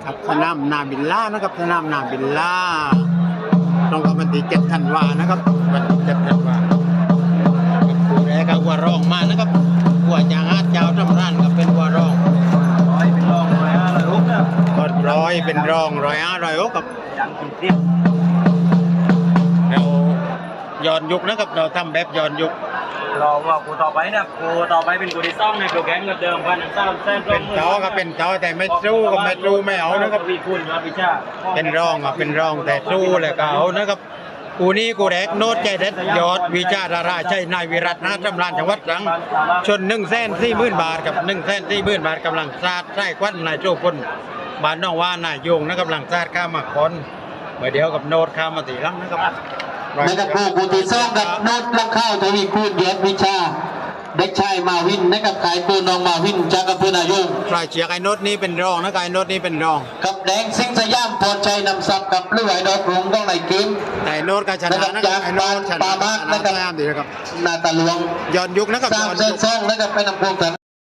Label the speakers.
Speaker 1: ครับสนามนาบิลล่านะครับสนามนาบิลล่าตรงกับวันที่7 ธันวานะครับวันที่7 ธันวาผู้แรกก็วัวรองมานะครับวัวจางอาเจ้าทำร้านก็เป็นวัวรอง
Speaker 2: เป็นรอง100 106นะ
Speaker 1: ก็เป็นรอง100 106กับ
Speaker 2: ยังกินเตี้ย
Speaker 1: เราย้อนยุคนะครับเราทำแบบย้อนยุค
Speaker 2: รอว่ากูต่อไปนะกูต่อไปเป็นกูที่ซ่องในกูแข่งกับเดิมพันสามแสน
Speaker 1: เป็นเจ้าก็เป็นเจ้าแต่ไม่สู้ก็ไม่สู้ไม่เอานะครับ
Speaker 2: วีคุณมาพิชา
Speaker 1: เป็นรองเป็นรองแต่สู้เลยก็เอานะครับกูนี้กูแรกโน้ตใจเด็ดยอดวิจาราราใช่นายวิรัตนะจำรานจังหวัดตรังชน140,000 บาทกับ140,000 บาทกำลังซาดไส้ควันนายโจพลบ้านน้องว่านายโยงนะกำลังซาดข้ามมาคอนเมื่อเดียวกับโน้ตข้ามมาตีลังนะครับ
Speaker 3: นะครับผู้ที่ซ่องกับโน้ตลังข้าวทวีคูณยอดวิชาเด็กชายมาวินนะครับขายตัวน้องมาวินจากอำเภอนายง
Speaker 1: ฝ่ายเชียร์ไอ้โน้ตนี้เป็นรองนะไอ้โน้ตนี้เป็นรอง
Speaker 3: กับแดงสิงสยามพรชัยนำซับกับเลือดดอกรุงต้องไหลเกม
Speaker 1: แต่โน้ตก็ชนะนะครับไอ้โน้ตชนะดีนะครับ
Speaker 3: นาตาหลวง
Speaker 1: ย้อนยุคนะครับ
Speaker 3: 3 เส้นซ่องนะครับไปนำพวงกัน